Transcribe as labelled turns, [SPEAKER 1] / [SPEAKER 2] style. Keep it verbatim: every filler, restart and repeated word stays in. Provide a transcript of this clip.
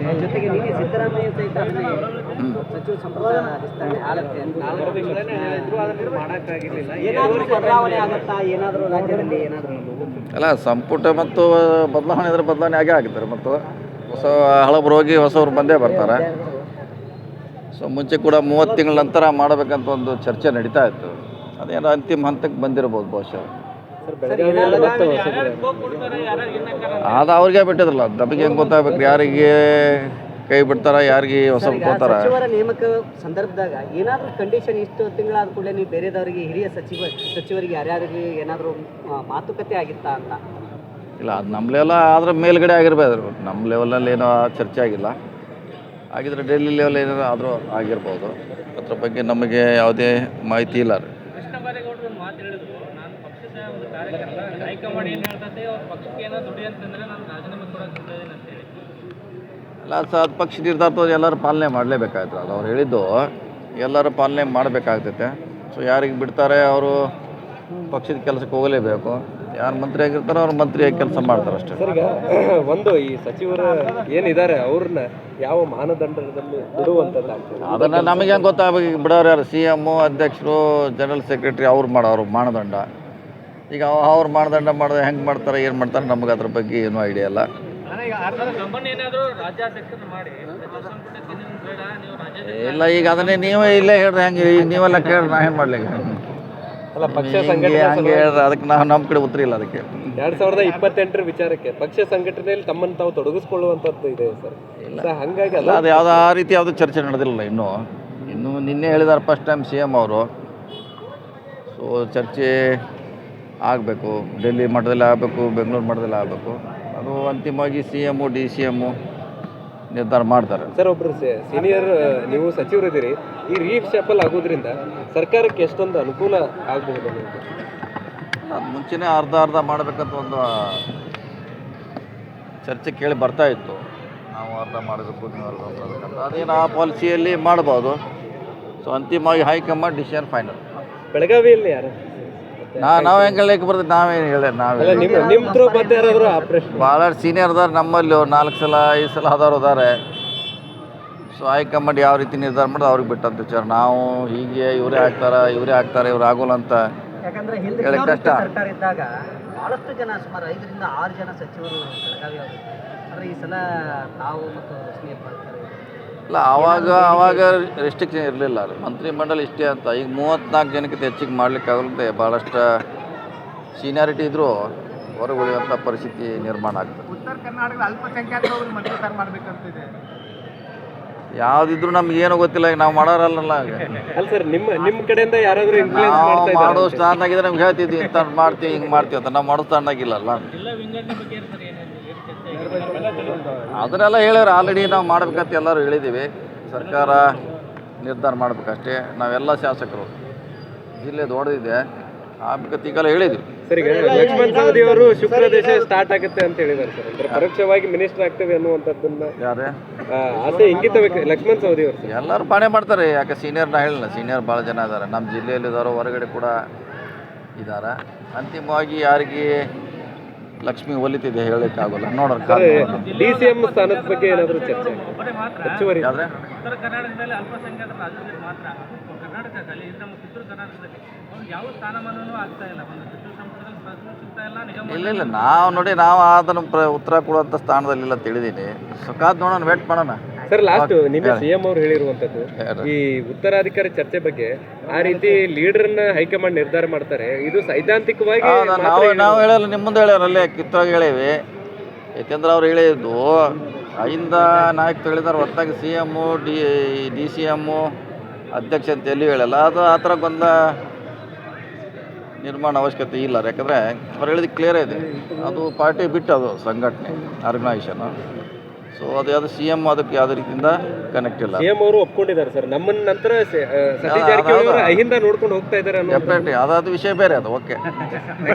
[SPEAKER 1] ಜೊತೆಗೆ ನಿನ್ನೆ ಸಿದ್ದರಾಮಯ್ಯ ಸಹಿತ ಸಚಿವ ಸಂಪುಟ ವಿಸ್ತರಣೆ ಆಗುತ್ತೆ ಏನಾದರೂ ಬದಲಾವಣೆ ಆಗುತ್ತಾ ಏನಾದರೂ ರಾಜ್ಯದಲ್ಲಿ ಏನಾದರೂ
[SPEAKER 2] ಅಲ್ಲ, ಸಂಪುಟ ಮತ್ತು ಬದಲಾವಣೆ ಇದ್ರೆ ಬದಲಾವಣೆ ಆಗೇ ಆಗಿದ್ದಾರೆ. ಮತ್ತು ಹೊಸ ಹಳಬರು ಹೋಗಿ ಹೊಸವ್ರು ಬಂದೇ ಬರ್ತಾರೆ. ಸೊ ಮುಂಚೆ ಕೂಡ ಮೂವತ್ತು ತಿಂಗಳ ನಂತರ ಮಾಡಬೇಕಂತ ಒಂದು ಚರ್ಚೆ ನಡೀತಾ ಇತ್ತು. ಅದೇನೋ ಅಂತಿಮ ಹಂತಕ್ಕೆ ಬಂದಿರ್ಬೋದು ಬಹುಶಃ. ಅದು ಅವ್ರಿಗೆ ಬಿಟ್ಟಿದ್ರಲ್ಲ, ನಮಗೆ ಹೆಂಗೆ ಗೊತ್ತಾಗಬೇಕು ಯಾರಿಗೆ ಕೈ ಬಿಡ್ತಾರ, ಯಾರಿಗೆ ಹೊಸ ಹೋಗ್ತಾರ.
[SPEAKER 1] ಸಚಿವರ ನೇಮಕ ಸಂದರ್ಭದಾಗ ಏನಾದರೂ ಕಂಡೀಷನ್ ಇಷ್ಟು ತಿಂಗಳಾದ ಕೂಡಲೇ ನೀವು ಬೇರೆದವರಿಗೆ ಹಿರಿಯ ಸಚಿವ ಸಚಿವರಿಗೆ ಯಾರ್ಯಾರಿಗೆ ಏನಾದರೂ ಮಾತುಕತೆ ಆಗಿತ್ತಾ ಅಂತ?
[SPEAKER 2] ಇಲ್ಲ, ಅದು ನಮ್ಮ ಲೆವೆಲ್ ಆದ್ರೆ ಮೇಲ್ಗಡೆ ಆಗಿರ್ಬೋದು. ನಮ್ಮ ಲೆವೆಲಲ್ಲಿ ಏನೋ ಚರ್ಚೆ ಆಗಿಲ್ಲ. ಆಗಿದ್ರೆ ಡೆಲ್ಲಿ ಲೆವೆಲ್ ಏನಾದ್ರು ಆದರೂ ಆಗಿರ್ಬೋದು. ಅದ್ರ ಬಗ್ಗೆ ನಮಗೆ ಯಾವುದೇ ಮಾಹಿತಿ ಇಲ್ಲ. ಅಲ್ಲ ಸರ್, ಅದು ಪಕ್ಷ ನಿರ್ಧಾರ ಎಲ್ಲರೂ ಪಾಲನೆ ಮಾಡಲೇಬೇಕಾಯ್ತು. ಅದು ಅವ್ರು ಹೇಳಿದ್ದು ಎಲ್ಲರೂ ಪಾಲನೆ ಮಾಡಬೇಕಾಗ್ತೈತೆ. ಸೊ ಯಾರಿಗೆ ಬಿಡ್ತಾರೆ ಅವರು ಪಕ್ಷದ ಕೆಲಸಕ್ಕೆ ಹೋಗಲೇಬೇಕು. ಯಾರು ಮಂತ್ರಿ ಆಗಿರ್ತಾರೋ ಅವ್ರು ಮಂತ್ರಿಯಾಗಿ ಕೆಲಸ ಮಾಡ್ತಾರೆ ಅಷ್ಟೇ.
[SPEAKER 3] ಸರ್, ಈಗ ಒಂದು ಈ ಸಚಿವರು ಏನಿದ್ದಾರೆ ಅವ್ರನ್ನ ಯಾವ ಮಾನದಂಡದಲ್ಲಿ ಬಿಡುವಂಥದ್ದು
[SPEAKER 2] ಅದನ್ನು ನಮಗೆ ಹೆಂಗೆ ಗೊತ್ತಾಗಬೇಕು? ಈಗ ಬಿಡೋರು ಯಾರು? ಸಿ ಎಮ್ಮು, ಅಧ್ಯಕ್ಷರು, ಜನರಲ್ ಸೆಕ್ರೆಟರಿ ಅವ್ರು ಮಾಡೋರು ಮಾನದಂಡ. ಈಗ ಅವ್ರು ಮಾನದಂಡ ಮಾಡಿದ್ರೆ ಹೆಂಗೆ ಮಾಡ್ತಾರೆ, ಏನು ಮಾಡ್ತಾರೆ, ನಮಗೆ ಅದ್ರ ಬಗ್ಗೆ ಏನೂ ಐಡಿಯಾ ಇಲ್ಲ. ಇಲ್ಲ, ಈಗ ಅದನ್ನೇ ನೀವೇ ಇಲ್ಲೇ ಹೇಳ್ರಿ. ಹೆಂಗೆ ಈಗ ನೀವೆಲ್ಲ ಕೇಳ್ರಿ, ನಾ ಏನು ಮಾಡ್ಲಿಕ್ಕೆ?
[SPEAKER 3] ಅಲ್ಲ, ಪಕ್ಷ
[SPEAKER 2] ಹಂಗೆ ಹಂಗೆ ಹೇಳ್ರಿ. ಅದಕ್ಕೆ ನಾವು ನಮ್ಮ ಕಡೆ ಉತ್ತರ ಇಲ್ಲ ಅದಕ್ಕೆ.
[SPEAKER 3] ಎರಡ್ ಸಾವಿರದ ಇಪ್ಪತ್ತೆಂಟರ ವಿಚಾರಕ್ಕೆ ಪಕ್ಷ ಸಂಘಟನೆಯಲ್ಲಿ ತಮ್ಮನ್ನು ತಾವು ತೊಡಗಿಸ್ಕೊಳ್ಳುವಂಥದ್ದು ಇದೆ ಸರ್. ಇಲ್ಲ ಹಾಗಾಗಿ
[SPEAKER 2] ಅಲ್ಲ, ಅದು ಯಾವುದೋ ಆ ರೀತಿ ಯಾವುದೂ ಚರ್ಚೆ ನಡೆದಿಲ್ಲ ಇನ್ನೂ. ಇನ್ನೂ ನಿನ್ನೆ ಹೇಳಿದಾರೆ ಫಸ್ಟ್ ಟೈಮ್ ಸಿ ಎಮ್ ಅವರು. ಸೊ ಚರ್ಚೆ ಆಗಬೇಕು, ಡೆಲ್ಲಿ ಮಟ್ಟದಲ್ಲಿ ಆಗಬೇಕು, ಬೆಂಗಳೂರು ಮಟ್ಟದಲ್ಲಿ ಆಗಬೇಕು. ಅದು ಅಂತಿಮವಾಗಿ C M D C M ನಿರ್ಧಾರ ಮಾಡ್ತಾರೆ.
[SPEAKER 3] ಸರ್, ಒಬ್ಬರು ಸೀನಿಯರ್ ನೀವು ಸಚಿವರಿದ್ದೀರಿ. ಈ ರೀಶಫಲ್ ಆಗೋದ್ರಿಂದ ಸರ್ಕಾರಕ್ಕೆ ಎಷ್ಟೊಂದು ಅನುಕೂಲ ಆಗಬಹುದು?
[SPEAKER 2] ಅದು ಮುಂಚೆನೇ ಅರ್ಧ ಅರ್ಧ ಮಾಡಬೇಕಂತ ಒಂದು ಚರ್ಚೆ ಕೇಳಿ ಬರ್ತಾ ಇತ್ತು. ನಾವು ಅರ್ಧ ಮಾಡಬೇಕು, ನೀವು ಅರ್ಧ ಮಾಡಬೇಕಂತ. ಅದೇನು ಆ ಪಾಲಿಸಿಯಲ್ಲಿ ಮಾಡ್ಬೋದು. ಸೊ ಅಂತಿಮವಾಗಿ ಹೈಕಮಾಂಡ್ ಡಿಸಿಷನ್ ಫೈನಲ್.
[SPEAKER 3] ಬೆಳಗಾವಿಯಲ್ಲಿ ಯಾರು
[SPEAKER 2] ನಾ ನಾವು ಹೆಂಗೆ ಹೇಳಕ್ಕೆ ಬರ್ತದೆ? ನಾವೇನು ಹೇಳಿ ನಾವೇ
[SPEAKER 3] ನಿಮ್ಮ ಥ್ರೂ ಬಂದು ಯಾರಾದರೂ ಆಪ್ರೇಷನ್
[SPEAKER 2] ಭಾಳಷ್ಟು ಸೀನಿಯರ್ ಅದಾರೆ ನಮ್ಮಲ್ಲಿ. ನಾಲ್ಕು ಸಲ ಐದು ಸಲ ಆದವ್ರು ಇದ್ದಾರೆ. ಸೊ ಹೈಕಮಾಂಡ್ ಯಾವ ರೀತಿ ನಿರ್ಧಾರ ಮಾಡೋದು ಅವ್ರಿಗೆ ಬಿಟ್ಟಂತ ವಿಚಾರ. ನಾವು ಹೀಗೆ ಇವರೇ ಆಗ್ತಾರೆ ಇವರೇ ಆಗ್ತಾರೆ ಇವ್ರು ಆಗೋಲ್ಲ ಅಂತ
[SPEAKER 1] ಯಾಕಂದ್ರೆ ಹಿಂದೆ
[SPEAKER 2] ಕಷ್ಟ.
[SPEAKER 1] ಸರ್ಕಾರ ಇದ್ದಾಗ ಬಹಳಷ್ಟು ಜನ, ಸುಮಾರು ಐದರಿಂದ ಆರು ಜನ ಸಚಿವರು ಬೆಳಗಾವಿ ಅವರು. ಆದರೆ ಈ ಸಲ ತಾವು ಮತ್ತು ಸ್ನೇಹ ಮಾಡ್ತಾರೆ.
[SPEAKER 2] ಇಲ್ಲ, ಆವಾಗ ಆವಾಗ ರೆಸ್ಟ್ರಿಕ್ಷನ್ ಇರಲಿಲ್ಲ. ಮಂತ್ರಿ ಮಂಡಲ ಇಷ್ಟೇ ಅಂತ. ಈಗ ಮೂವತ್ತ್ನಾಲ್ಕು ಜನಕ್ಕಿಂತ ಹೆಚ್ಚಿಗೆ ಮಾಡ್ಲಿಕ್ಕೆ ಆಗಲ್ಲದೆ ಭಾಳಷ್ಟು ಸೀನಿಯಾರಿಟಿ ಇದ್ದರೂ ಹೊರಗೆ ಉಳಿಯುವಂಥ ಪರಿಸ್ಥಿತಿ ನಿರ್ಮಾಣ ಆಗ್ತದೆ.
[SPEAKER 4] ಉತ್ತರ ಕರ್ನಾಟಕದ ಅಲ್ಪಸಂಖ್ಯಾತರು ಮಂತ್ರಿಸಾರ ಮಾಡಬೇಕಂತಿದೆ.
[SPEAKER 2] ಯಾವುದಿದ್ರು ನಮ್ಗೆ ಏನೂ ಗೊತ್ತಿಲ್ಲ. ಈಗ ನಾವು ಮಾಡೋರಲ್ಲ.
[SPEAKER 3] ಅಲ್ಲ ಸರ್, ನಿಮ್ಮ ನಿಮ್ಮ ಕಡೆಯಿಂದ ಯಾರಾದರೂ ಇನ್ಫ್ಲೂಯೆನ್ಸ್
[SPEAKER 2] ನಾವು
[SPEAKER 3] ಮಾಡ್ತಾ
[SPEAKER 2] ಮಾಡೋ ಸ್ಥಾನದಾಗಿದ್ರೆ ನಮ್ಗೆ ಹೇಳ್ತಿದ್ವಿ ಇಂಥ ಮಾಡ್ತೀವಿ ಹಿಂಗೆ ಮಾಡ್ತೀವಿ ಅಂತ. ನಾವು ಮಾಡೋ ಸ್ಥಾನದಾಗಿಲ್ಲಲ್ಲ. ಅದನ್ನೆಲ್ಲ ಹೇಳ್ಯಾರ ಆಲ್ರೆಡಿ. ನಾವು ಮಾಡ್ಬೇಕಂತ ಎಲ್ಲರೂ ಹೇಳಿದ್ದೀವಿ. ಸರ್ಕಾರ ನಿರ್ಧಾರ ಮಾಡ್ಬೇಕಷ್ಟೇ. ನಾವೆಲ್ಲ ಶಾಸಕರು, ಜಿಲ್ಲೆ ದೊಡ್ಡದಿದೆ, ಆಗ್ಬೇಕಂತ ಈಗೆಲ್ಲ ಹೇಳಿದ್ವಿ.
[SPEAKER 3] ಸರ್, ಈಗ ಲಕ್ಷ್ಮಣ್ ಸವದಿ ಅವರು ಶುಕ್ರ ದೇಶ ಸ್ಟಾರ್ಟ್ ಆಗುತ್ತೆ ಅಂತ ಹೇಳಿದ್ದಾರೆ ಸರ್. ಅಂದ್ರೆ ಪರೋಕ್ಷವಾಗಿ ಮಿನಿಸ್ಟರ್ ಆಗ್ತೇವೆ ಅನ್ನುವಂಥದ್ದನ್ನ
[SPEAKER 2] ಯಾರೇ
[SPEAKER 3] ಆಸೆ ಇಂಗಿತ ಬೇಕು ಲಕ್ಷ್ಮಣ್ ಸವದಿ ಅವರು.
[SPEAKER 2] ಎಲ್ಲರೂ ಪಾಣೆ ಮಾಡ್ತಾರೆ. ಯಾಕೆ ಸೀನಿಯರ್ ನಾ ಹೇಳಿಲ್ಲ, ಸೀನಿಯರ್ ಭಾಳ ಜನ ಇದ್ದಾರೆ ನಮ್ಮ ಜಿಲ್ಲೆಯಲ್ಲಿ ಇದ್ದಾರೋ, ಹೊರಗಡೆ ಕೂಡ ಇದ್ದಾರೆ. ಅಂತಿಮವಾಗಿ ಯಾರಿಗೆ ಲಕ್ಷ್ಮಿ ಒಲಿತಿದೆ ಹೇಳೋಕ್ಕಾಗೋಲ್ಲ. ನೋಡೋಣ.
[SPEAKER 3] ಡಿ ಸಿ ಎಂ ಸ್ಥಾನದ ಬಗ್ಗೆ ಏನಾದರೂ ಚರ್ಚೆ ಹೆಚ್ಚುವರಿ
[SPEAKER 2] ಆದರೆ
[SPEAKER 4] ಉತ್ತರ ಕರ್ನಾಟಕದಲ್ಲಿ ಅಲ್ಪಸಂಖ್ಯಾತರ ರಾಜ್ಯದಲ್ಲಿ ಮಾತ್ರ, ಕರ್ನಾಟಕದಲ್ಲಿ ನಮ್ಮ ಕಿತ್ತೂರು ಕರ್ನಾಟಕದಲ್ಲಿ ಯಾವ ಸ್ಥಾನಮಾನವೂ ಆಗ್ತಾ ಇಲ್ಲ. ಒಂದು ಸಚಿವ ಸಂಪುಟದಲ್ಲಿ ಪ್ರಶ್ನೆ ಸಿಗ್ತಾ ಇಲ್ಲ. ನಿಗಮ
[SPEAKER 2] ಇಲ್ಲ ಇಲ್ಲ ನಾವು ನೋಡಿ ನಾವು ಅದನ್ನು ಪ್ರ ಉತ್ತರ ಕೊಡುವಂಥ ಸ್ಥಾನದಲ್ಲಿಲ್ಲ ತಿಳಿದೀನಿ. ಸುಖಾದ್ ನೋಡೋಣ, ವೇಟ್ ಮಾಡೋಣ.
[SPEAKER 3] ಸರ್, ಲಾಸ್ಟ್ ನಿನ್ನೆ ಸಿ ಎಂ ಅವರು ಹೇಳಿರುವಂಥದ್ದು ಈ ಉತ್ತರಾಧಿಕಾರಿ ಚರ್ಚೆ ಬಗ್ಗೆ. ಆ ರೀತಿ ಲೀಡರ್ನ ಹೈಕಮಾಂಡ್ ನಿರ್ಧಾರ ಮಾಡ್ತಾರೆ. ಇದು ಸೈದ್ಧಾಂತಿಕವಾಗಿ
[SPEAKER 2] ನಾವು ನಾವು ಹೇಳಲ್ಲ, ನಿಮ್ಮ ಮುಂದೆ ಹೇಳ್ಯಾರಲ್ಲೇ ಕಿತ್ತೋಗಿ ಹೇಳೇವಿ. ಯಾಕೆಂದ್ರೆ ಅವ್ರು ಹೇಳಿದ್ದು ಐದ ನಾಯಕರು ಹೇಳಿದಾರೆ ಹೊರತಾಗಿ C M D D C M ಅಧ್ಯಕ್ಷ ಅಂತ ಎಲ್ಲಿ ಹೇಳಲ್ಲ. ಅದು ಆ ಥರ ಗೊಂದ ನಿರ್ಮಾಣ ಅವಶ್ಯಕತೆ ಇಲ್ಲ. ಯಾಕಂದರೆ ಅವ್ರು ಹೇಳಿದ ಕ್ಲಿಯರೇ ಇದೆ. ಅದು ಪಾರ್ಟಿ ಬಿಟ್ಟು ಅದು ಸಂಘಟನೆ ಆರ್ಗನೈಸೇಷನು. ಸೊ ಅದು ಯಾವುದು ಸಿ ಎಮ್ ಅದಕ್ಕೆ ಯಾವುದೇ ರೀತಿಯಿಂದ ಕನೆಕ್ಟ್ ಇಲ್ಲ.
[SPEAKER 3] ಸಿ ಎಂ ಅವರು ಒಪ್ಕೊಂಡಿದ್ದಾರೆ ಸರ್. ನಮ್ಮ ನಂತರ ಸತೀಶ್ ಜಾರಕಿಹೊಳಿ ಅವರು ಅಹಿಂದ ನೋಡ್ಕೊಂಡು ಹೋಗ್ತಾ ಇದ್ದಾರೆ ಅನ್ನೋ
[SPEAKER 2] ಡೆಫಿನೆಟ್ಲಿ ಅದಾದ ವಿಷಯ ಬೇರೆ ಅದು. ಓಕೆ.